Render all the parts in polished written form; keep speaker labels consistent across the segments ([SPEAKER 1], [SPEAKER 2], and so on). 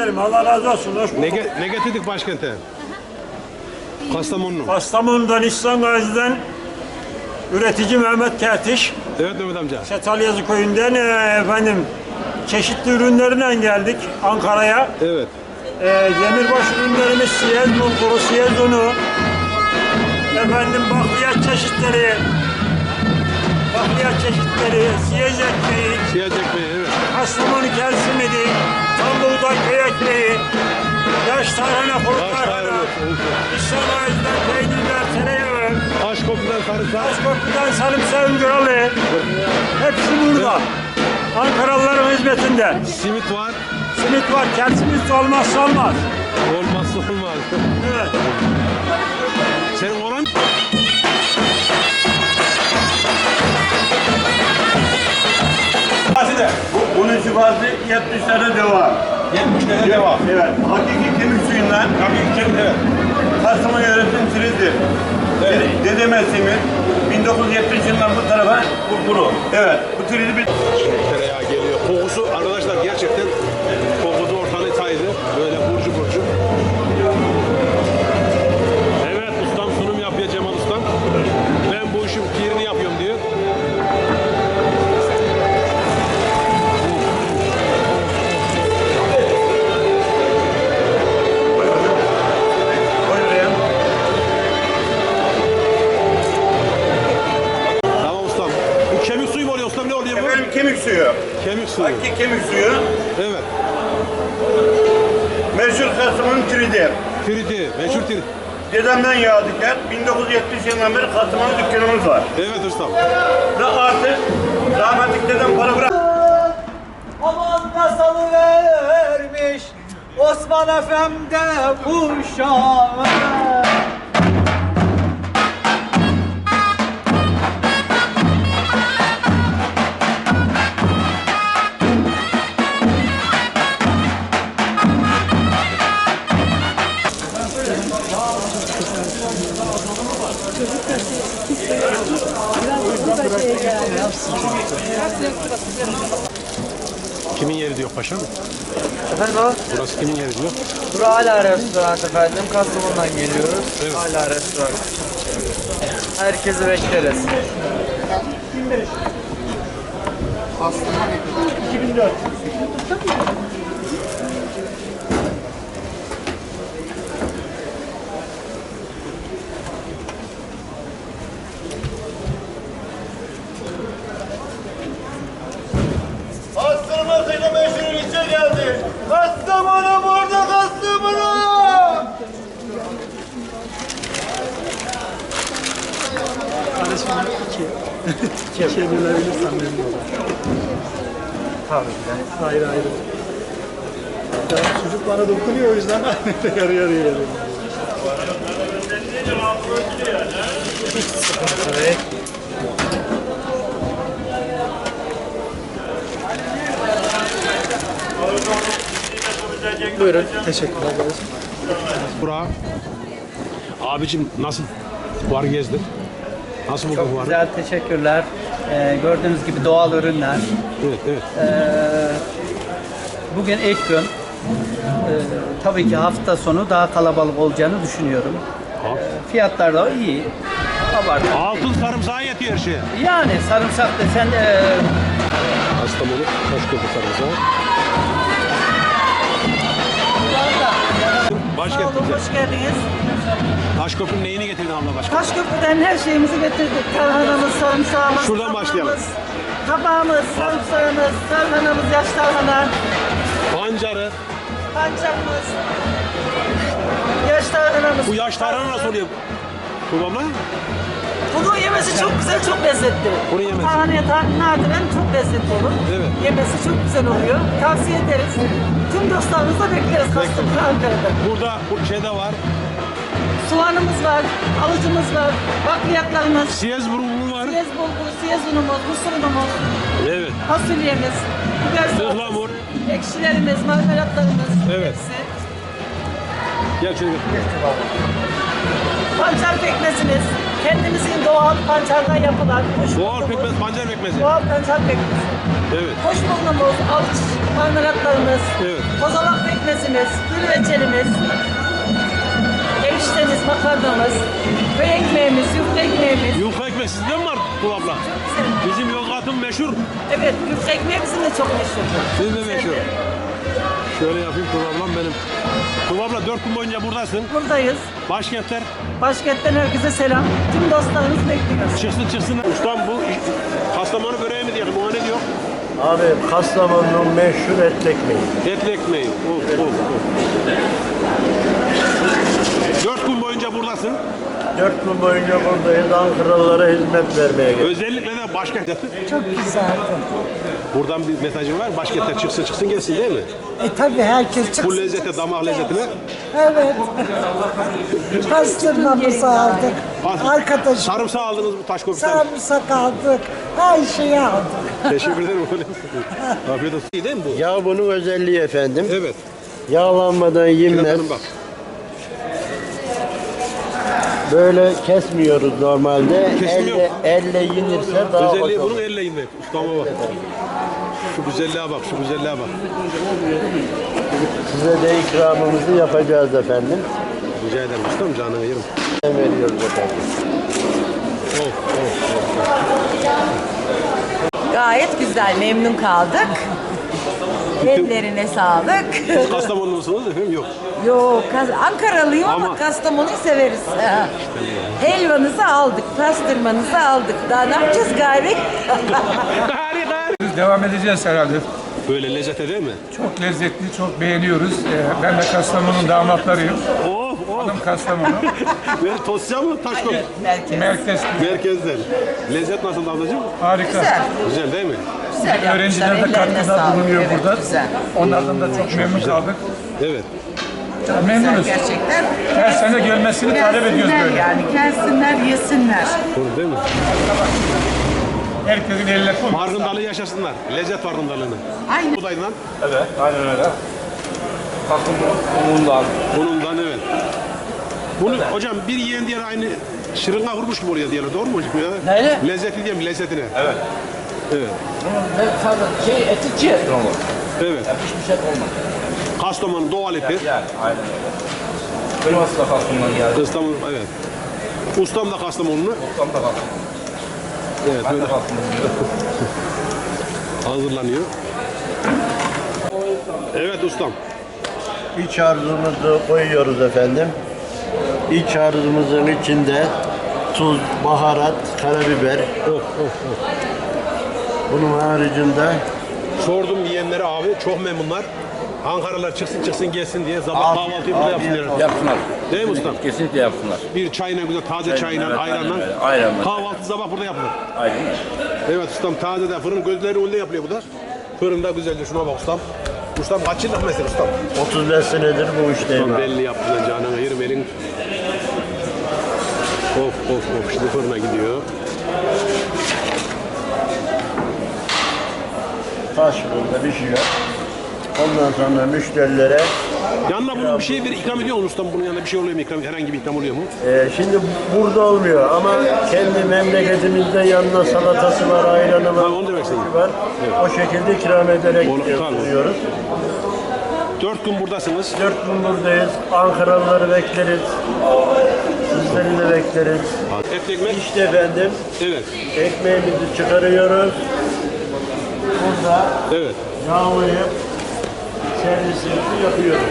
[SPEAKER 1] ederim. Allah razı olsun. Hoş bulduk.
[SPEAKER 2] Ne getirdik başkente? Kastamonu.
[SPEAKER 1] Kastamonu'dan, İhsan Gazi'den üretici Mehmet Kertiş.
[SPEAKER 2] Evet Mehmet amca.
[SPEAKER 1] Çatalyazı köyünden efendim çeşitli ürünlerle geldik Ankara'ya.
[SPEAKER 2] Evet.
[SPEAKER 1] Demirbaş ürünlerimiz siyez bulguru, siyez unu, efendim bakliyat çeşitleri, siyez ekmeği,
[SPEAKER 2] Siyah ekmeği, evet.
[SPEAKER 1] Kastamonu kel simidi, tam buğday köy ekmeği, yaş tarhana, kuru tarhana, İhsan Gazi'den peynirler, tereyağı,
[SPEAKER 2] Taşköprü'den sarımsak.
[SPEAKER 1] Taşköprü'den sarımsağın kralı, hepsi burada. Ankaralıların hizmetinde.
[SPEAKER 2] Simit var.
[SPEAKER 1] Simit var, kel simit olmazsa olmaz.
[SPEAKER 2] Olmazsa olmaz.
[SPEAKER 1] Evet.
[SPEAKER 2] Senin oran...
[SPEAKER 3] Bunun şifası 70 tane deva.
[SPEAKER 2] 70 tane devam.
[SPEAKER 3] Evet. Hakiki kemik suyundan.
[SPEAKER 2] Evet.
[SPEAKER 3] Kastamonu yöretim siridir.
[SPEAKER 2] Evet.
[SPEAKER 3] Dede Mesleğimiz 1970 yılından bu tarafa bunu. Evet. Bu tridi bir...
[SPEAKER 2] Tereyağı geliyor. Kokusu arkadaşlar gerçekten kokusu ortalığı saydı. Böyle burcu burcu. Evet ustam sunum yapıyor Cemal ustam. Ben bu işin pirini yapıyorum diyor. Tamam ustam. Bu kemik suyu mu oluyor ustam, ne oluyor bu?
[SPEAKER 3] Efendim kemik suyu.
[SPEAKER 2] Kemik suyu.
[SPEAKER 3] Hakiki kemik suyu.
[SPEAKER 2] Evet.
[SPEAKER 3] Meşhur Kastamonu tridi.
[SPEAKER 2] Tridi. Meşhur tridi.
[SPEAKER 3] Dedemden yağdıklar. 1970 yılından beri Kastamonu dükkanımız var.
[SPEAKER 2] Evet ustam.
[SPEAKER 3] Ve artık rahmetlik dedem para bırak.
[SPEAKER 4] Aman da salıvermiş Osman Efendi kuşağı.
[SPEAKER 2] Kimin yeri diyor paşam?
[SPEAKER 4] Efendim o?
[SPEAKER 2] Burası kimin yeri diyor?
[SPEAKER 4] Bura hala restoran efendim. Kastamonu'dan geliyoruz.
[SPEAKER 2] Evet.
[SPEAKER 4] Hala restoran. Herkesi bekleriz.
[SPEAKER 3] Kastamonu meşhur ilçe geldi. Kastamonu burada, Kastamonu.
[SPEAKER 5] Çevirebilirsen memnun olurum.
[SPEAKER 4] Tabii ki de.
[SPEAKER 5] Ayrı ayrı. Ya, çocuk bana dokunuyor o yüzden yarı yarıya geliyorum.
[SPEAKER 4] Evet.
[SPEAKER 5] Buyurun. Teşekkürler kardeşim.
[SPEAKER 2] Burak. Abicim nasıl? Fuar gezdin. Nasıl buldun
[SPEAKER 4] Çok
[SPEAKER 2] fuarı?
[SPEAKER 4] güzel, teşekkürler. Gördüğünüz gibi doğal ürünler.
[SPEAKER 2] Evet, evet.
[SPEAKER 4] Bugün ilk gün. Tabii ki hafta sonu daha kalabalık olacağını düşünüyorum. Fiyatlar da iyi. Abartı.
[SPEAKER 2] Altın sarımsağı yetiyor her şeye.
[SPEAKER 4] Yani sarımsak desen
[SPEAKER 2] Kastamonu, Taşköprü sarımsağı. Başkent bize.
[SPEAKER 6] Hoş geldiniz.
[SPEAKER 2] Taşköprü'nün neyini getirdin abla başka?
[SPEAKER 6] Taşköprü'den her şeyimizi getirdik. Tarhanamız, sarımsağımız,
[SPEAKER 2] Şuradan başlayalım.
[SPEAKER 6] kabağımız, sarımsağımız, tarhanamız, yaş tarhana,
[SPEAKER 2] Pancarı.
[SPEAKER 6] pancarımız, yaş tarhanamız.
[SPEAKER 2] Bu yaş tarhana nasıl oluyor? Babamla?
[SPEAKER 6] Bunu yemesi çok güzel, çok lezzetli.
[SPEAKER 2] Bunu yemesi.
[SPEAKER 6] Tarhanaya nadiren çok lezzetli olur.
[SPEAKER 2] Evet.
[SPEAKER 6] Yemesi çok güzel oluyor. Tavsiye ederiz. Tüm dostlarımızla bekleriz Kastamonu, Ankara'da.
[SPEAKER 2] Burada bu şey de var.
[SPEAKER 6] Soğanımız var, alıcımız var, bakliyatlarımız,
[SPEAKER 2] Siyez burunlu var.
[SPEAKER 6] siyez bulgur, siyez unumuz, mısır unumuz,
[SPEAKER 2] Evet.
[SPEAKER 6] fasulyemiz, biber
[SPEAKER 2] Ihlamur.
[SPEAKER 6] salatası, ekşilerimiz, marmelatlarımız,
[SPEAKER 2] Evet.
[SPEAKER 6] hepsi.
[SPEAKER 2] Gel şöyle gel.
[SPEAKER 6] Pancar pekmezimiz, kendimizin doğal pancardan yapılan
[SPEAKER 2] Doğal pekmez, pancar pekmezi.
[SPEAKER 6] doğal pancar pekmezi.
[SPEAKER 2] Evet.
[SPEAKER 6] Hoş bulunumuz, avuç marmelatlarımız,
[SPEAKER 2] Evet.
[SPEAKER 6] kozalak pekmezimiz, domatesimiz, gül reçelimiz, eriştemiz, makarnamız, köy ekmeğimiz, yufka ekmeğimiz.
[SPEAKER 2] Yufka ekmek sizde mi var Tuğ abla? Bizim Yozgat'ın meşhur.
[SPEAKER 6] Evet, yufka ekmeği bizim de çok meşhur.
[SPEAKER 2] Sizin de meşhur. Şöyle yapayım Tuğ ablam benim. Tuğ abla 4 gün boyunca buradasın.
[SPEAKER 6] Buradayız.
[SPEAKER 2] Başkentler
[SPEAKER 6] Başkentten herkese selam. Tüm dostlarımız bekliyoruz.
[SPEAKER 2] çıksın. Ustam bu Kastamonu böreği mi diyelim? O ne diyor?
[SPEAKER 7] Abi Kastamonu'nun meşhur etli ekmeği.
[SPEAKER 2] Etli ekmeği. Of. 4 gün boyunca buradasın.
[SPEAKER 7] 4 gün boyunca buradayız. Ankaralılara hizmet vermeye geldik.
[SPEAKER 2] Özellikle de başkentler.
[SPEAKER 8] Çok güzeldi.
[SPEAKER 2] Buradan bir mesajım var. Başkentler çıksın gelsin değil mi?
[SPEAKER 8] Tabii herkes çıksın.
[SPEAKER 2] Bu lezzete, damak lezzetine.
[SPEAKER 8] Evet. Pastırmamızı aldık. Arkadaşım
[SPEAKER 2] Sarımsağı aldınız bu taş kopuktan.
[SPEAKER 8] sarımsak aldık. Her şeyi aldık.
[SPEAKER 2] Teşekkür ederim. Afiyet olsun. İyi değil mi bu?
[SPEAKER 7] Ya bunun özelliği efendim.
[SPEAKER 2] Evet.
[SPEAKER 7] Yağlanmadan yenmez.
[SPEAKER 2] Hanım bak.
[SPEAKER 7] Böyle kesmiyoruz normalde.
[SPEAKER 2] Kesmiyor.
[SPEAKER 7] Elle yenirse daha hoş
[SPEAKER 2] Özelliği
[SPEAKER 7] olur.
[SPEAKER 2] bunun elle inmek. Ustama bak. Şu güzelliğe bak.
[SPEAKER 7] Size de ikramımızı yapacağız efendim.
[SPEAKER 2] Rica ederim ustam, canını yerim.
[SPEAKER 7] Veriyoruz efendim.
[SPEAKER 9] Gayet güzel, memnun kaldık. Ellerine sağlık.
[SPEAKER 2] Siz Kastamonu musunuz efendim? Yok.
[SPEAKER 9] Yok, Ankaralıyım ama
[SPEAKER 2] Ama-
[SPEAKER 9] Kastamonu'yu severiz. Helvanızı aldık, pastırmanızı aldık. Daha ne yapacağız gari?
[SPEAKER 10] Devam edeceğiz herhalde.
[SPEAKER 2] Böyle lezzete değil mi?
[SPEAKER 10] Çok lezzetli, çok beğeniyoruz. Ben de Kastamonu'nun damatlarıyım. Hanım Kastamonu.
[SPEAKER 2] Böyle Tosya mı? Taşkop.
[SPEAKER 10] Merkez
[SPEAKER 2] Merkezden. Lezzet nasıl ablacığım?
[SPEAKER 10] harika.
[SPEAKER 9] Güzel,
[SPEAKER 2] Güzel değil mi?
[SPEAKER 9] güzel
[SPEAKER 10] Öğrenciler de
[SPEAKER 9] yapmışlar. Ellerine
[SPEAKER 10] katkıda
[SPEAKER 9] sağlık.
[SPEAKER 10] bulunuyor
[SPEAKER 9] Evet,
[SPEAKER 10] burada.
[SPEAKER 9] güzel.
[SPEAKER 10] Onlardan da çok memnun kaldık.
[SPEAKER 2] Evet.
[SPEAKER 10] Memnunuz.
[SPEAKER 9] Gerçekten.
[SPEAKER 10] Her sene gelmesini talep ediyoruz böyle.
[SPEAKER 9] Yani gelsinler, yesinler.
[SPEAKER 2] Doğru değil mi?
[SPEAKER 10] Herkesin eline kol.
[SPEAKER 2] Farkındalığı yaşasınlar. Lezzet farkındalığını.
[SPEAKER 9] Aynen.
[SPEAKER 2] Budayından.
[SPEAKER 3] Evet, aynen öyle. Unundan.
[SPEAKER 2] Bunundan evet. Bunu hocam bir yiyen diğer aynı şırınga vurmuş gibi oluyor diyorlar. Doğru mu hocam ya?
[SPEAKER 4] Neyle?
[SPEAKER 2] Lezzeti diyelim lezzetine.
[SPEAKER 3] Evet.
[SPEAKER 2] Evet.
[SPEAKER 4] Eti çiğ.
[SPEAKER 2] Evet.
[SPEAKER 3] Hiçbir şey olmaz.
[SPEAKER 2] Kastamonu doğal eti.
[SPEAKER 3] Yani, aynen öyle. Kırması da Kastamonu'dan geldi.
[SPEAKER 2] Kastamonu evet. Ustam da Kastamonlu.
[SPEAKER 3] Ustam da Kastamonu.
[SPEAKER 2] Evet
[SPEAKER 3] Ben
[SPEAKER 2] böyle
[SPEAKER 3] de Kastamonu'yum.
[SPEAKER 2] hazırlanıyor. Evet ustam.
[SPEAKER 7] İç harcımızı koyuyoruz efendim. İç harcımızın içinde tuz, baharat, karabiber. Bunun haricinde
[SPEAKER 2] Sordum yiyenlere abi çok memnunlar. Ankaralılar çıksın gelsin diye sabah kahvaltıyı burada yapsınlar.
[SPEAKER 3] Yapsınlar.
[SPEAKER 2] Değil mi ustam?
[SPEAKER 3] Kesinlikle yapsınlar.
[SPEAKER 2] Bir çayına güzel taze çayla
[SPEAKER 3] evet,
[SPEAKER 2] ayranla.
[SPEAKER 3] aynen öyle, aynen öyle.
[SPEAKER 2] Kahvaltı sabah burada yapılır.
[SPEAKER 3] Aynen öyle.
[SPEAKER 2] Evet ustam taze de fırın gözleri önünde yapılıyor bu da. Fırında güzelce şuna bak ustam. Ustam kaç yıllık mesela ustam?
[SPEAKER 7] 35 senedir bu işteyim.
[SPEAKER 2] Ustam
[SPEAKER 7] abi.
[SPEAKER 2] belli yaptın lan canına yerim elin. Of şimdi fırına gidiyor.
[SPEAKER 7] Taş fırında pişiyor. Ondan sonra müşterilere
[SPEAKER 2] Yanına bunun bir şey bir ikram ediyor mu ustam? Bunun yanında bir şey oluyor mu? İkram, herhangi bir ikram oluyor mu?
[SPEAKER 7] şimdi burada olmuyor ama kendi memleketimizde yanına salatası var, ayranı var,
[SPEAKER 2] Ha, onu demek istedim.
[SPEAKER 7] var. O şekilde ikram ederek
[SPEAKER 2] Onu- tamam.
[SPEAKER 7] yapıyoruz.
[SPEAKER 2] 4 gün buradasınız.
[SPEAKER 7] 4 gün buradayız. Ankaralıları bekleriz. Sizleri de bekleriz.
[SPEAKER 2] Et ekmek.
[SPEAKER 7] İşte efendim
[SPEAKER 2] Evet.
[SPEAKER 7] ekmeğimizi çıkarıyoruz. Burada
[SPEAKER 2] Evet.
[SPEAKER 7] yağlayıp servisimizi yapıyoruz.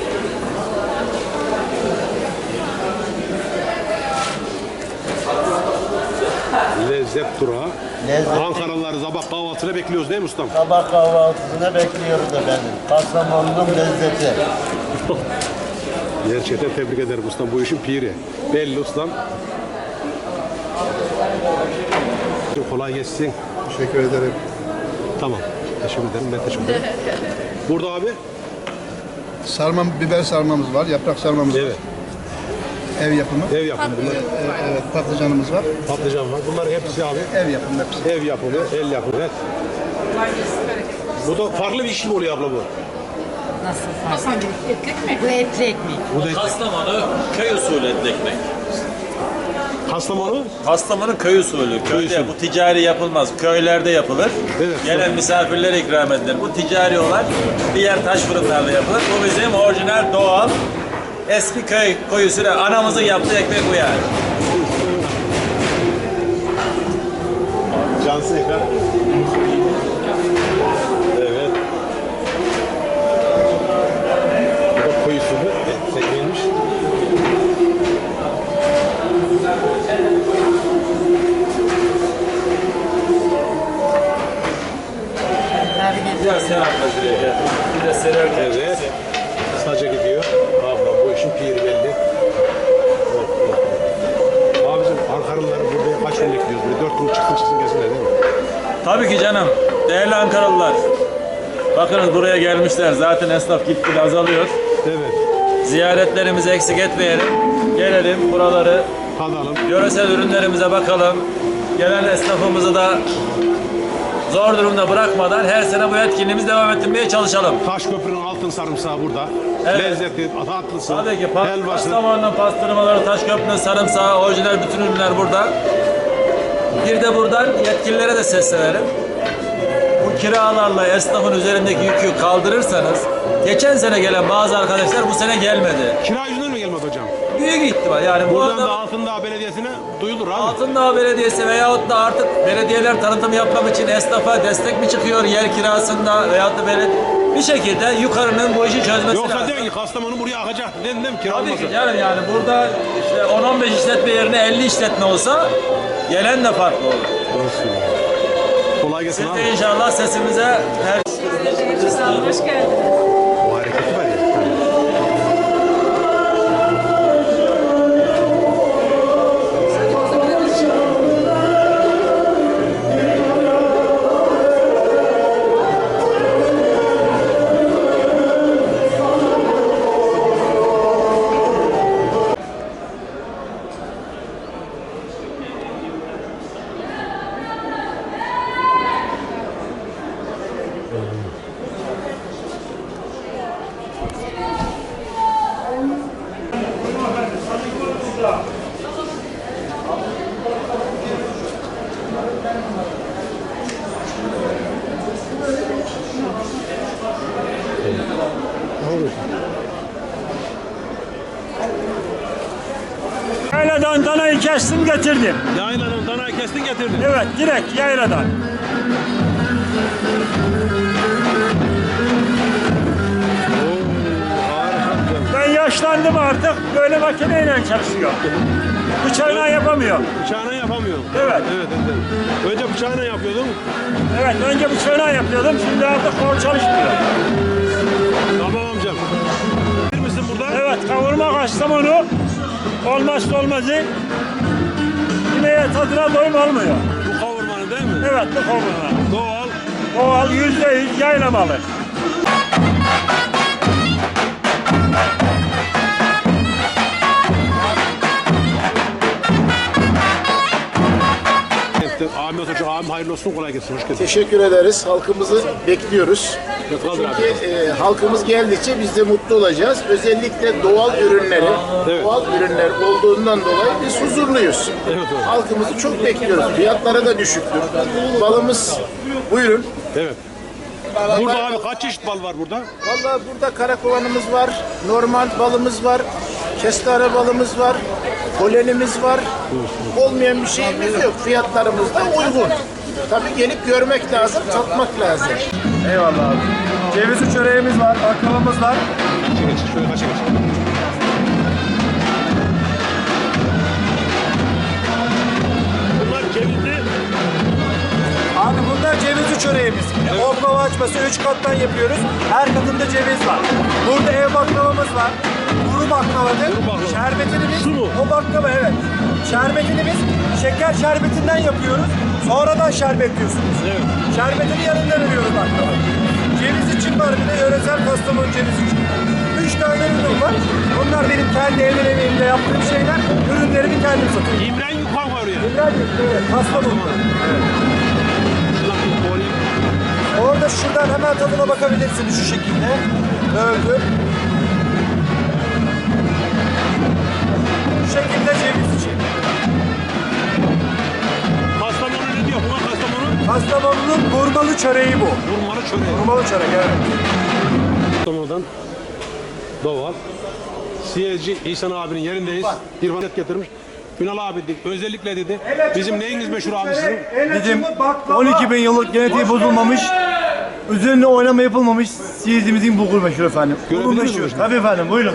[SPEAKER 2] Lezzet durağı.
[SPEAKER 7] Lezzet.
[SPEAKER 2] Ankaralıları sabah kahvaltısına bekliyoruz değil mi ustam?
[SPEAKER 7] Sabah kahvaltısına bekliyoruz efendim. Kastamonu'nun lezzeti.
[SPEAKER 2] Gerçekten tebrik ederim ustam. Bu işin piri. Belli ustam. Çok kolay geçsin.
[SPEAKER 5] Teşekkür ederim.
[SPEAKER 2] Tamam. Teşekkür ederim. Ben teşekkür ederim. Burada abi.
[SPEAKER 5] Biber sarmamız var, yaprak sarmamız var.
[SPEAKER 2] Evet.
[SPEAKER 5] Ev yapımı.
[SPEAKER 2] Ev yapımı bunlar.
[SPEAKER 5] Evet, patlıcanımız var.
[SPEAKER 2] Patlıcan var. Bunlar hepsi abi.
[SPEAKER 5] Ev yapımı hepsi.
[SPEAKER 2] Ev yapımı, el yapımı. Evet. Bu da farklı bir iş mi oluyor abla bu?
[SPEAKER 9] Bu etli ekmek.
[SPEAKER 2] Bu da
[SPEAKER 11] Kastamonu köy usulü etli ekmek.
[SPEAKER 2] Kastamonu.
[SPEAKER 3] Kastamonu köy usulü. Köyde bu ticari yapılmaz. Köylerde yapılır.
[SPEAKER 2] Evet.
[SPEAKER 3] Gelen misafirlere ikram edilir. Bu ticari olan diğer taş fırınlarda yapılır. Bu bizim orijinal doğal eski köy usulü. Anamızın yaptığı ekmek bu yani.
[SPEAKER 2] Cansın ekran. Evet. Bu da koyu usulü. Ekmeğiymiş.
[SPEAKER 3] Biraz sen anlat şuraya. Bir de sererken.
[SPEAKER 2] Evet. Saca gidiyor. Abla bu işin piri belli. Abicim Ankaralıları buraya kaç gün bekliyoruz? Böyle 4 gün çıksın gelsinler değil mi?
[SPEAKER 3] Tabii ki canım. Değerli Ankaralılar. Bakınız buraya gelmişler. Zaten esnaf gitgide azalıyor.
[SPEAKER 2] Evet.
[SPEAKER 3] Ziyaretlerimizi eksik etmeyelim. Gelelim buraları,
[SPEAKER 2] Tadalım.
[SPEAKER 3] yöresel ürünlerimize bakalım. Gelen esnafımızı da zor durumda bırakmadan her sene bu etkinliğimizi devam ettirmeye çalışalım.
[SPEAKER 2] Taşköprünün altın sarımsağı burada.
[SPEAKER 3] Evet.
[SPEAKER 2] Lezzetli, tatlısı,
[SPEAKER 3] Tabii ki
[SPEAKER 2] helvası.
[SPEAKER 3] Kastamonu'nun pastırmaları, Taşköprü'nün sarımsağı, orijinal bütün ürünler burada. Bir de buradan yetkililere de seslenelim. Bu kiralarla esnafın üzerindeki yükü kaldırırsanız, geçen sene gelen bazı arkadaşlar bu sene gelmedi.
[SPEAKER 2] Kira yüzünden mi gelmedi hocam?
[SPEAKER 3] Büyük ihtimal yani bu
[SPEAKER 2] Buradan
[SPEAKER 3] arada
[SPEAKER 2] da Altındağ Belediyesi'ne duyulur abi.
[SPEAKER 3] Altındağ Belediyesi veyahut da artık belediyeler tanıtım yapmak için esnafa destek mi çıkıyor yer kirasında veyahut da bir şekilde yukarının bu işi çözmesi
[SPEAKER 2] Yoksa
[SPEAKER 3] lazım.
[SPEAKER 2] diyorsun ki Kastamonu buraya akacak. Dedin değil mi? Kira
[SPEAKER 3] Tabii
[SPEAKER 2] olmasın.
[SPEAKER 3] ki canım yani burada işte 10-15 işletme yerine 50 işletme olsa gelen de farklı olur.
[SPEAKER 2] Kolay gelsin
[SPEAKER 3] Siz
[SPEAKER 2] abi.
[SPEAKER 3] de inşallah sesimize her
[SPEAKER 6] Hoş geldiniz.
[SPEAKER 2] Bu hareketi var ya.
[SPEAKER 1] Yayladan danayı kestim getirdim.
[SPEAKER 2] Yaylanın danayı kestin getirdin.
[SPEAKER 1] Evet, direkt yayladan. Ben yaşlandım artık, böyle makineyle çalışıyorum. Bıçağına yapamıyorum.
[SPEAKER 2] Bıçağına yapamıyorum.
[SPEAKER 1] Evet.
[SPEAKER 2] Evet, evet. Önce bıçağına yapıyordun.
[SPEAKER 1] Evet, önce bıçağına yapıyordum, şimdi artık kol çalışmıyor.
[SPEAKER 2] Tamam amcam. Bir misin burada?
[SPEAKER 1] Evet, kavurma Kastamonu olmazsa olmazı. Yemeğe tadına doyum olmuyor.
[SPEAKER 2] Bu kavurmanı değil mi?
[SPEAKER 1] Evet, bu kavurma.
[SPEAKER 2] Doğal.
[SPEAKER 1] Doğal %100 yaylamalı.
[SPEAKER 2] Ahmet Hoca, abim hayırlı olsun, kolay gelsin. Hoş geldin.
[SPEAKER 5] Teşekkür ederiz. Halkımızı bekliyoruz. Çünkü halkımız geldikçe biz de mutlu olacağız. Özellikle doğal ürünleri,
[SPEAKER 2] Evet.
[SPEAKER 5] doğal ürünler olduğundan dolayı biz huzurluyuz.
[SPEAKER 2] Evet, evet.
[SPEAKER 5] Halkımızı çok bekliyoruz. Fiyatları da düşüktür. Balımız, buyurun.
[SPEAKER 2] Evet. Burada abi kaç çeşit bal var burada?
[SPEAKER 5] Vallahi burada karakovanımız var, normal balımız var, kestane balımız var, polenimiz var. Olmayan bir şeyimiz yok. Fiyatlarımız da uygun. Tabii gelip görmek lazım, tatmak lazım.
[SPEAKER 11] Eyvallah abi. Cevizli çöreğimiz var, baklavamız var.
[SPEAKER 2] Şöyle kaç geç. Bunlar cevizli.
[SPEAKER 11] Abi bunlar cevizli çöreğimiz. Oklava açması 3 kattan yapıyoruz. Her katında ceviz var. Burada ev baklavamız var. Kuru baklavadır. Şerbetini biz, o baklava evet. Şerbetini biz şeker şerbetinden yapıyoruz. Sonradan şerbetliyorsunuz. Evet. Şerbetini yanında veriyoruz baklava. Ceviz için var bir de yöresel Kastamonu cevizi için. 3 tane ürün var. Bunlar benim kendi evler emeğimde yaptığım şeyler. Ürünlerimi kendim satıyorum.
[SPEAKER 2] İmren Yukan var oraya.
[SPEAKER 11] Evet, Kastamonu. Evet. Orada şuradan hemen tadına bakabilirsiniz şu şekilde. Öldü. Bu şekilde ceviz içi. Hurmalı çöreği bu.
[SPEAKER 2] Hurmalı çöreği.
[SPEAKER 11] Hurmalı çörek, evet.
[SPEAKER 2] Kastamonu'dan doğal. Siyezci İhsan abinin yerindeyiz. Bir vanet getirmiş. Ünal abi dedi, özellikle dedi. Bizim neyiniz meşhur abi sizin?
[SPEAKER 11] Bizim 12 bin yıllık genetiği bozulmamış, üzerine oynama yapılmamış siyezimizin bulgur meşhur efendim. Bulgur
[SPEAKER 2] Görebilir miyim
[SPEAKER 11] meşhur.
[SPEAKER 2] şimdi?
[SPEAKER 11] Tabii efendim, buyurun.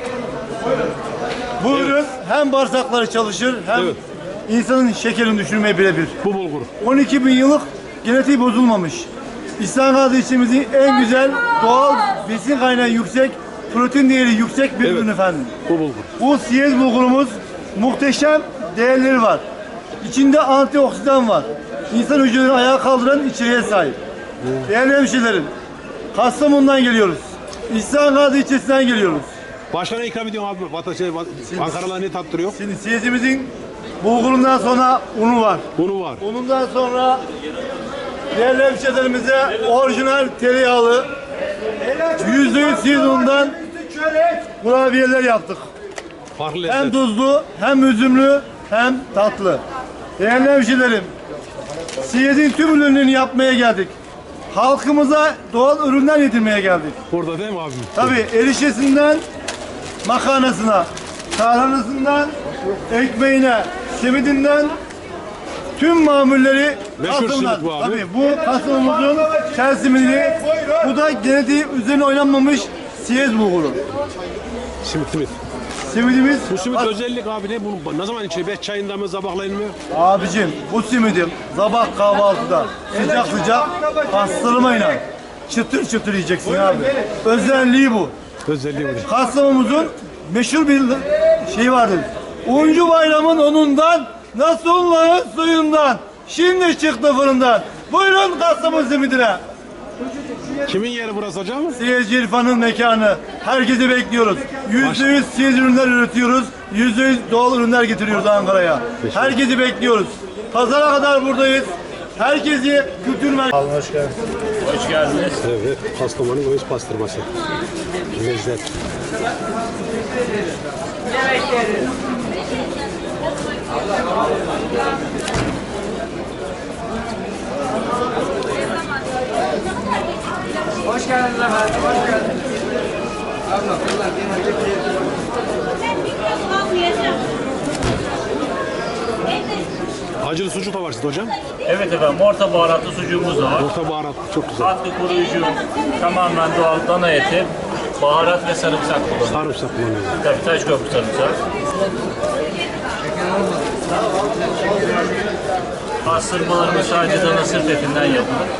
[SPEAKER 11] Bu ürün hem bağırsakları çalışır hem
[SPEAKER 2] Evet.
[SPEAKER 11] insanın şekerini düşürmeye birebir.
[SPEAKER 2] Bu bulgur.
[SPEAKER 11] 12 bin yıllık genetiği bozulmamış. İhsan Gazi ilçemizin en güzel doğal besin kaynağı yüksek, protein değeri yüksek bir
[SPEAKER 2] Evet.
[SPEAKER 11] ürün efendim.
[SPEAKER 2] Bu bulgur.
[SPEAKER 11] Bu siyez bulgurumuz muhteşem değerleri var. İçinde antioksidan var. İnsan hücrelerini ayağa kaldıran içeriğe sahip. Değerli hemşehrilerim, Kastamonu'dan geliyoruz. İhsan Gazi ilçesinden geliyoruz.
[SPEAKER 2] Başka ne ikram ediyorsun abi? Ankara'da ne tattırıyor?
[SPEAKER 11] Şimdi siyezimizin bulgurundan sonra unu var.
[SPEAKER 2] Unu var.
[SPEAKER 11] Unundan sonra değerli hemşehrilerimize orijinal tereyağlı %100 siyez unundan kurabiyeler yaptık.
[SPEAKER 2] Farklı
[SPEAKER 11] Hem
[SPEAKER 2] lezzet.
[SPEAKER 11] tuzlu, hem üzümlü, hem tatlı. Değerli hemşehrilerim, siyezin tüm ürünlerini yapmaya geldik. Halkımıza doğal ürünler yedirmeye geldik.
[SPEAKER 2] Burada değil mi abim?
[SPEAKER 11] Tabii erişesinden makarnasına, tarhanasından ekmeğine, simidinden tüm mamulleri
[SPEAKER 2] Meşhur
[SPEAKER 11] Kastamonu'dan.
[SPEAKER 2] simit bu abi.
[SPEAKER 11] Tabii bu Kastamonu'muzun tel simidi. Bu da genetiği üzerine oynanmamış siyez bulguru.
[SPEAKER 2] Simit.
[SPEAKER 11] Simidimiz
[SPEAKER 2] Bu simit özellik abi ne? Bunu ne zaman içiyor? 5 çayında mı, sabahlayın mı?
[SPEAKER 11] abicim bu simidim sabah kahvaltıda sıcak sıcak pastırmayla çıtır çıtır yiyeceksin abi. Özelliği bu.
[SPEAKER 2] Özelliği bu.
[SPEAKER 11] Kastamonu'muzun meşhur bir şey vardır. Uncu bayramın onundan, Nasullah'ın suyundan, şimdi çıktı fırından. Buyurun Kastamonu simidine.
[SPEAKER 2] Kimin yeri burası hocam?
[SPEAKER 11] Siyezci İrfan'ın mekanı. Herkesi bekliyoruz. %100 siyez ürünler üretiyoruz. %100 doğal ürünler getiriyoruz Ankara'ya. Herkesi bekliyoruz. Pazara kadar buradayız. Herkesi kültür merkezi.
[SPEAKER 3] Hoş geldiniz.
[SPEAKER 2] Evet. Kastamonu göğüs pastırması. Lezzet.
[SPEAKER 6] Hoş geldiniz efendim. Hoş geldiniz.
[SPEAKER 2] Acılı sucuk da var sizde hocam.
[SPEAKER 3] Evet efendim, orta baharatlı sucuğumuz da var.
[SPEAKER 2] Orta baharat çok güzel.
[SPEAKER 3] Tatlı koruyucu, tamamen doğal dana eti, baharat ve sarımsak kullanıyoruz.
[SPEAKER 2] Sarımsak kullanıyoruz.
[SPEAKER 3] Tabii Taşköprü sarımsak. Pastırmalarımız sadece dana sırt etinden yapılır.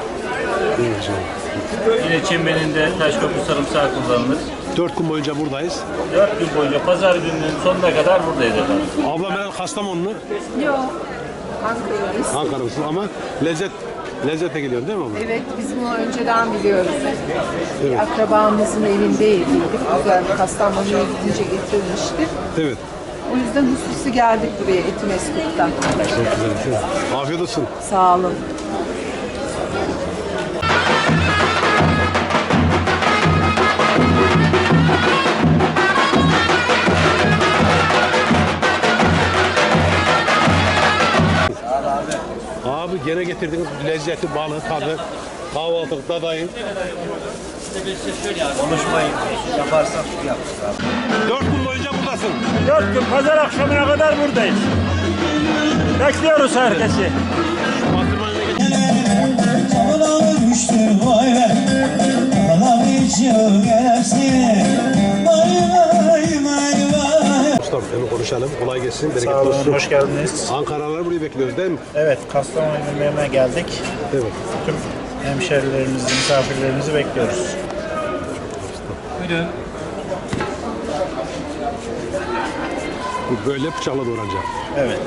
[SPEAKER 3] Yine çimbeninde Taşköprü sarımsağı kullanılır.
[SPEAKER 2] 4 gün boyunca buradayız.
[SPEAKER 3] 4 gün boyunca pazar gününün sonuna kadar buradayız efendim.
[SPEAKER 2] Ablam herhalde Kastamonlu.
[SPEAKER 9] Yok. Ankara'dayız.
[SPEAKER 2] Ankara'lısın ama lezzete geliyor değil mi abla?
[SPEAKER 9] Evet, biz bunu önceden biliyoruz. Bir akrabamızın evindeydik. Güzel Kastamonu'ya gidince getirmişti.
[SPEAKER 2] Evet.
[SPEAKER 9] O yüzden hususi geldik buraya Etimeskut'tan.
[SPEAKER 2] Çok güzel. Afiyet olsun.
[SPEAKER 9] Sağ olun.
[SPEAKER 2] Abi gene getirdiniz lezzeti, balığı, tadı, kahvaltılık, dadayın.
[SPEAKER 11] Konuşmayın. Yaparsak yapacağız abi.
[SPEAKER 2] 4 gün boyunca buradasın.
[SPEAKER 1] 4 gün pazar akşamına kadar buradayız. Bekliyoruz herkesi.
[SPEAKER 2] Ustam hemen konuşalım. Kolay gelsin. Bereketli olsun.
[SPEAKER 5] Hoş geldiniz.
[SPEAKER 2] Ankaralıları buraya bekliyoruz değil mi?
[SPEAKER 5] Evet, Kastamonu yemeğine geldik.
[SPEAKER 2] Evet.
[SPEAKER 5] Tüm hemşerilerimizi, misafirlerimizi bekliyoruz.
[SPEAKER 2] Bu böyle bıçakla doğranacak.
[SPEAKER 5] Evet.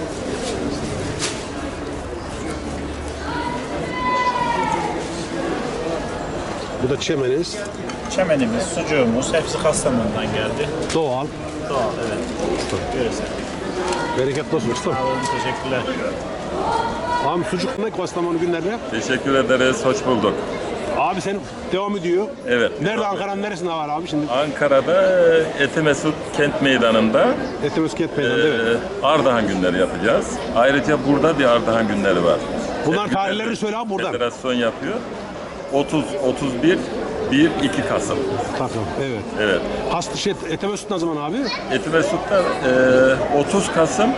[SPEAKER 2] Bu da çemeniz.
[SPEAKER 5] Çemenimiz, sucuğumuz hepsi Kastamonu'dan geldi.
[SPEAKER 2] Doğal.
[SPEAKER 5] Doğal, evet. Görsel.
[SPEAKER 2] Bereketli olsun ustam.
[SPEAKER 5] Sağ olun, teşekkürler.
[SPEAKER 2] Abi sucuk ne Kastamonu günlerde?
[SPEAKER 12] Teşekkür ederiz, hoş bulduk.
[SPEAKER 2] Abi sen devam ediyor.
[SPEAKER 12] Evet.
[SPEAKER 2] Nerede Ankara'nın neresinde var abi şimdi?
[SPEAKER 12] Ankara'da Etimesut Kent Meydanı'nda
[SPEAKER 2] Etimesgut Meydanı'nda evet.
[SPEAKER 12] Ardahan günleri yapacağız. Ayrıca burada bir Ardahan günleri var.
[SPEAKER 2] Bunlar tarihlerini söyle abi buradan.
[SPEAKER 12] Federasyon yapıyor. 30, 31, 1, 2 Kasım.
[SPEAKER 2] Takım, evet.
[SPEAKER 12] Evet.
[SPEAKER 2] Etemesut ne zaman abi?
[SPEAKER 12] Etimesut'ta 30 Kasım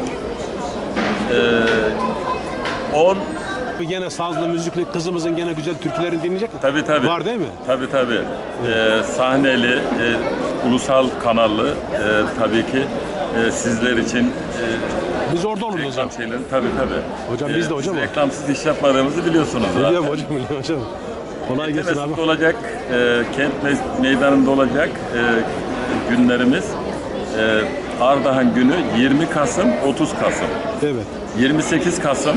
[SPEAKER 12] 10.
[SPEAKER 2] Gene sazlı, müzikli, kızımızın gene güzel türkülerini dinleyecek mi?
[SPEAKER 12] Tabii tabii.
[SPEAKER 2] Var değil mi?
[SPEAKER 12] Tabii tabii. Sahneli, ulusal kanallı tabii ki sizler için
[SPEAKER 2] biz orada oluruz hocam.
[SPEAKER 12] Şeyleri, tabii tabii.
[SPEAKER 2] Hocam biz de hocam.
[SPEAKER 12] Reklamsız iş yapmadığımızı biliyorsunuz zaten.
[SPEAKER 2] Biliyorum hocam. Kolay gelsin abi.
[SPEAKER 12] Olacak, kent meydanında olacak günlerimiz. Ardahan günü 20 Kasım, 30 Kasım.
[SPEAKER 2] Evet.
[SPEAKER 12] 28 Kasım,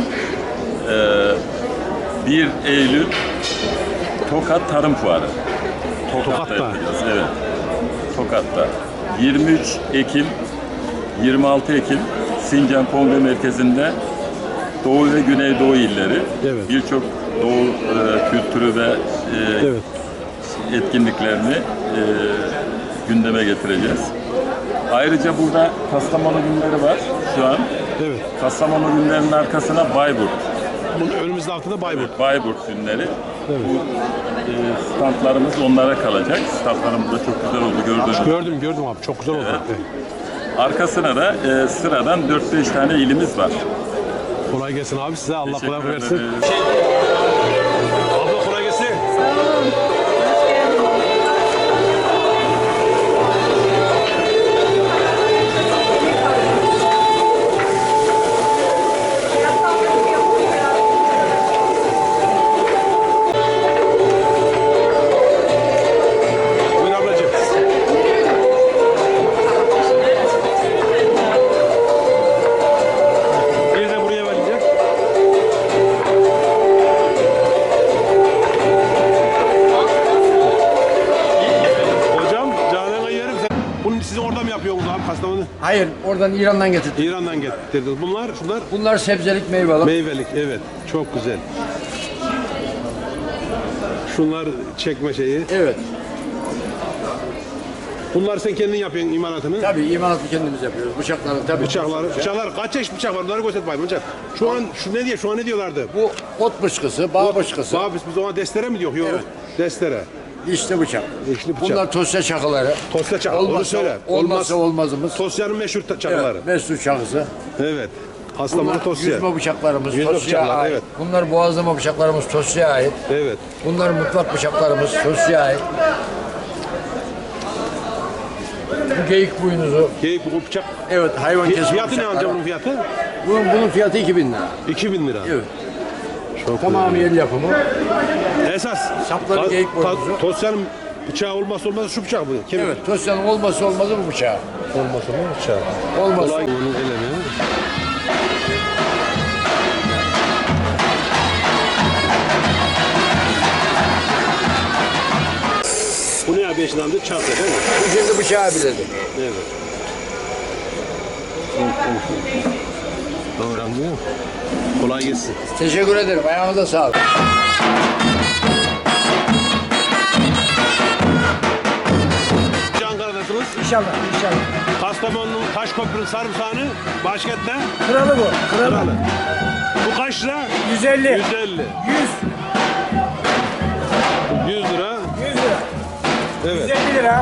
[SPEAKER 12] 1 Eylül Tokat Tarım Fuarı.
[SPEAKER 2] Tokat'ta.
[SPEAKER 12] Yapacağız, evet. Tokat'ta. 23 Ekim, 26 Ekim Sincan Kongre Merkezi'nde Doğu ve Güneydoğu illeri,
[SPEAKER 2] evet.
[SPEAKER 12] Birçok Doğu kültürü ve
[SPEAKER 2] evet.
[SPEAKER 12] etkinliklerini gündeme getireceğiz. Ayrıca burada Kastamonu günleri var şu an.
[SPEAKER 2] Evet.
[SPEAKER 12] Kastamonu günlerinin arkasına Bayburt.
[SPEAKER 2] Bunun önümüzde altında Bayburt.
[SPEAKER 12] Evet, Bayburt günleri.
[SPEAKER 2] Evet.
[SPEAKER 12] Bu standlarımız onlara kalacak. Standlarımız da çok güzel oldu gördüğünüz.
[SPEAKER 2] Gördüm abi. Çok güzel oldu.
[SPEAKER 12] Evet.
[SPEAKER 2] Evet.
[SPEAKER 12] Arkasına da sıradan 4-5 tane ilimiz var.
[SPEAKER 2] Kolay gelsin abi size. Allah
[SPEAKER 12] Teşekkür
[SPEAKER 2] kolay versin.
[SPEAKER 12] ederim.
[SPEAKER 2] Abla kolay gelsin. Buyur ablacığım. Bir de buraya verecek. Hocam canına yerim sen. Bunu siz orada mı yapıyorsunuz abi Kastamonu?
[SPEAKER 7] Hayır, oradan İran'dan getirdim.
[SPEAKER 2] İran'dan getirdiniz. Şunlar
[SPEAKER 7] Bunlar sebzelik meyvelik.
[SPEAKER 2] meyvelik. Evet. Çok güzel. Şunlar çekme şeyi.
[SPEAKER 7] Evet.
[SPEAKER 2] Bunlar sen kendin yapıyorsun imalatını.
[SPEAKER 7] Tabii imalatı kendimiz yapıyoruz. Bıçakları tabii.
[SPEAKER 2] Bıçaklar kaç çeşit bıçak var? Bunları göster bayım hocam. Şu an ne diyorlardı?
[SPEAKER 7] Bu ot bıçkısı, bağ bıçkısı.
[SPEAKER 2] Bağ biz ona destere mi diyor? Yok.
[SPEAKER 7] Evet.
[SPEAKER 2] Destere.
[SPEAKER 7] Dişli bıçak.
[SPEAKER 2] Dişli bıçak.
[SPEAKER 7] Bunlar tosya çakıları.
[SPEAKER 2] Tosya çakı. Onu söyle.
[SPEAKER 7] Olmazsa olmazımız.
[SPEAKER 2] Tosya'nın meşhur çakıları.
[SPEAKER 7] Evet, meşhur çakısı.
[SPEAKER 2] Evet. Kastamonu
[SPEAKER 7] Bunlar
[SPEAKER 2] tosya.
[SPEAKER 7] yüzme bıçaklarımız,
[SPEAKER 2] Yüzme
[SPEAKER 7] tosya'ya
[SPEAKER 2] bıçaklar,
[SPEAKER 7] ait.
[SPEAKER 2] evet.
[SPEAKER 7] Bunlar boğazlama bıçaklarımız, tosya'ya ait.
[SPEAKER 2] Evet.
[SPEAKER 7] Bunlar mutfak bıçaklarımız, tosya'ya ait. Bu geyik boynuzu.
[SPEAKER 2] Geyik bu bıçak.
[SPEAKER 7] Evet, hayvan kesme
[SPEAKER 2] Fiyatı ne
[SPEAKER 7] bıçakları.
[SPEAKER 2] amca bunun fiyatı?
[SPEAKER 7] Bunun fiyatı 2000 lira.
[SPEAKER 2] 2000 lira.
[SPEAKER 7] Evet.
[SPEAKER 2] Çok
[SPEAKER 7] Tamamı el yapımı.
[SPEAKER 2] Esas.
[SPEAKER 7] Sapları geyik boynuzu.
[SPEAKER 2] Tosya'nın bıçağı olmazsa olmazı şu bıçak bu.
[SPEAKER 7] Evet, Tosya'nın olmazsa olmazı bu bıçağı.
[SPEAKER 2] Olmazsa mı bıçağı?
[SPEAKER 7] Olmazsa.
[SPEAKER 2] Kolay onun elemi. Bu ne abi eşin amca? Çarpı değil mi?
[SPEAKER 7] Bu şimdi bıçağı biledi.
[SPEAKER 2] Evet. Doğru anlıyor musun? Kolay gelsin.
[SPEAKER 7] Teşekkür ederim. Ayağınıza sağlık.
[SPEAKER 2] Ankara'dasınız.
[SPEAKER 4] İnşallah.
[SPEAKER 2] Kastamonu'nun Taşköprü'nün sarımsağını başkentte
[SPEAKER 4] Kralı bu.
[SPEAKER 2] kralı. Bu kaç lira?
[SPEAKER 4] 150.
[SPEAKER 2] 150. 100 lira.
[SPEAKER 4] 100 lira.
[SPEAKER 2] Evet.
[SPEAKER 4] 150 lira.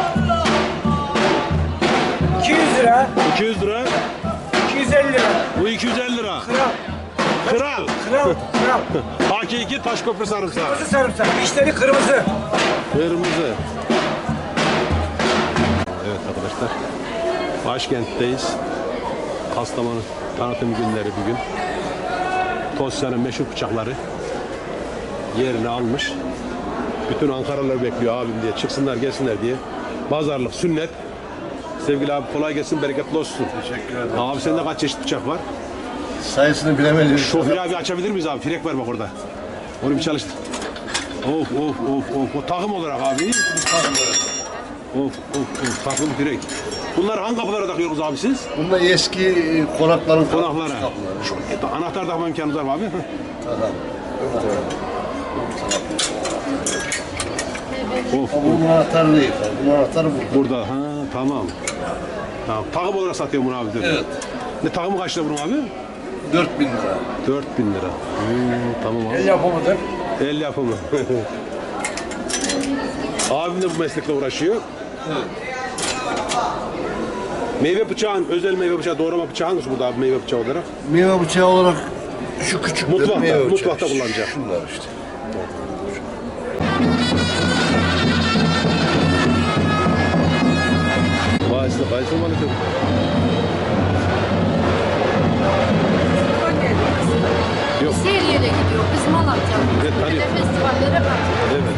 [SPEAKER 4] 200 lira.
[SPEAKER 2] 200 lira.
[SPEAKER 4] 250 lira.
[SPEAKER 2] Bu 250 lira. Kral.
[SPEAKER 4] Kral.
[SPEAKER 2] Hakiki Taşköprü sarımsağı.
[SPEAKER 4] Kırmızı sarımsak. İşleri kırmızı.
[SPEAKER 2] Kırmızı. Evet arkadaşlar. Başkentteyiz. Kastamonu tanıtım günleri bugün. Tosya'nın meşhur bıçakları yerini almış. Bütün Ankaralılar bekliyor abim diye. Çıksınlar gelsinler diye. Pazarlık, sünnet. Sevgili abi kolay gelsin, bereketli olsun.
[SPEAKER 7] Teşekkür ederim.
[SPEAKER 2] Abi sende kaç çeşit bıçak var?
[SPEAKER 7] Sayısını bilemedim.
[SPEAKER 2] Şoför abi açabilir miyiz abi? Frek var bak orada. Onu bir çalıştır. Of. O takım olarak abi. Of. Takım frek. Bunlar hangi kapılara takıyorsunuz abi siz?
[SPEAKER 7] Bunlar eski konaklara.
[SPEAKER 2] Şu anahtar takma imkanınız var mı abi? Of.
[SPEAKER 7] Bunun anahtarı değil. Bunun anahtarı
[SPEAKER 2] Burada. Ha tamam. Takım olarak satıyor bunu abi. Evet. Ne takımı kaç lira bunun abi?
[SPEAKER 13] 4.000 lira.
[SPEAKER 2] 4.000 lira. Tamam abi.
[SPEAKER 13] El yapımıdır.
[SPEAKER 2] El yapımı. Abim de bu meslekle uğraşıyor.
[SPEAKER 13] Evet.
[SPEAKER 2] Meyve bıçağın, özel meyve bıçağı, doğrama bıçağı hangisi burada abi meyve bıçağı olarak?
[SPEAKER 13] Meyve bıçağı olarak şu küçük
[SPEAKER 2] Mutfakta kullanacak.
[SPEAKER 13] Şunlar işte.
[SPEAKER 2] Vay size kayısı mı alıyorum? Yok.
[SPEAKER 14] Her yere gidiyor. Biz Malatya.
[SPEAKER 2] Evet,
[SPEAKER 14] Böyle festivallere bak.
[SPEAKER 2] Evet.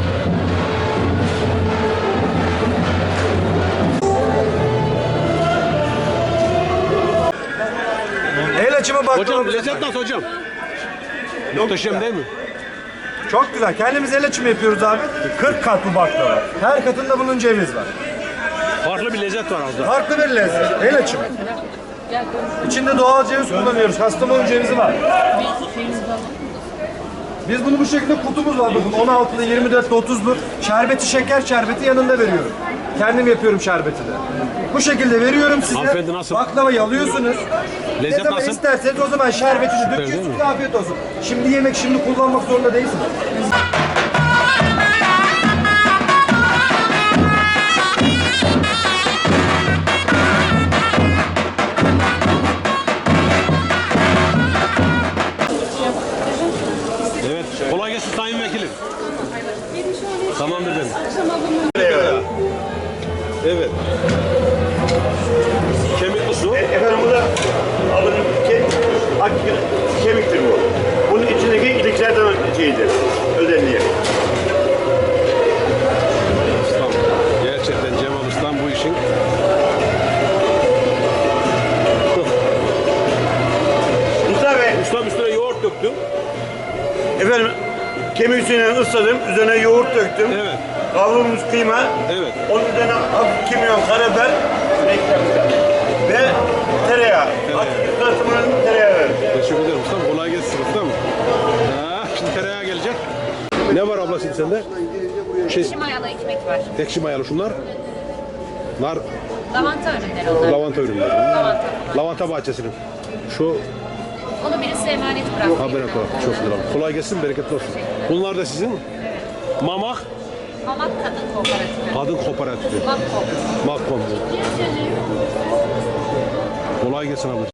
[SPEAKER 11] El açımı baklava.
[SPEAKER 2] Hocam lezzet nasıl hocam? Muhteşem değil mi?
[SPEAKER 11] Çok güzel. Kendimiz el açımı yapıyoruz abi. 40 kat bu baklava. Her katında bunun ceviz var.
[SPEAKER 2] Farklı bir lezzet var orada.
[SPEAKER 11] Farklı bir lezzet. El açımı. İçinde doğal ceviz kullanıyoruz. Kastamonu cevizi var. Biz bunu bu şekilde kutumuz var. Bakın 16'lı, 24'lü, 30'lu. Şerbeti, şeker şerbeti yanında veriyorum. Kendim yapıyorum şerbeti de. Bu şekilde veriyorum size.
[SPEAKER 2] Hanımefendi nasıl?
[SPEAKER 11] Baklavayı alıyorsunuz.
[SPEAKER 2] Lezzet
[SPEAKER 11] ne zaman
[SPEAKER 2] nasıl?
[SPEAKER 11] isterseniz o zaman şerbetini
[SPEAKER 2] Süper, değil
[SPEAKER 11] döküyorsunuz.
[SPEAKER 2] mi?
[SPEAKER 11] Afiyet olsun. Şimdi yemek, şimdi kullanmak zorunda değilsiniz.
[SPEAKER 2] Evet. Kolay gelsin sayın vekilim. Tamamdır benim. Evet. Kemikli su.
[SPEAKER 1] Efendim bu da kemiktir bu. Bunun içindeki iliklerden şeyidir, özelliği.
[SPEAKER 2] Ustam. Gerçekten Cemal Ustam bu işin.
[SPEAKER 1] Mustafa Bey,
[SPEAKER 2] Ustam üstüne yoğurt döktüm.
[SPEAKER 1] efendim kemik suyunu ısladım, üzerine yoğurt döktüm.
[SPEAKER 2] Evet.
[SPEAKER 1] Kavrulmuş kıyma,
[SPEAKER 2] Evet.
[SPEAKER 1] onun üzerine hafif kimyon, karabiber ve tereyağı. Hafif katımının tereyağı verir.
[SPEAKER 2] Teşekkür ederim ustam. Kolay gelsin ustam. Şimdi tereyağı gelecek. Ne var abla şimdi sende?
[SPEAKER 14] Ekşi mayalı ekmek var.
[SPEAKER 2] Ekşi mayalı şunlar. Nar,
[SPEAKER 14] Lavanta ürünleri onlar.
[SPEAKER 2] lavanta ürünleri.
[SPEAKER 14] Lavanta.
[SPEAKER 2] Lavanta bahçesinin. Şu
[SPEAKER 14] Onu birisi emanet bıraktı.
[SPEAKER 2] habere koy. Çok güzel. Kolay gelsin, bereketli olsun. Bunlar da sizin Mamak
[SPEAKER 14] Mamak Kadın Kooperatifi.
[SPEAKER 2] Kadın Kooperatifi.
[SPEAKER 14] Makkom.
[SPEAKER 2] Makkom. Kolay gelsin abla.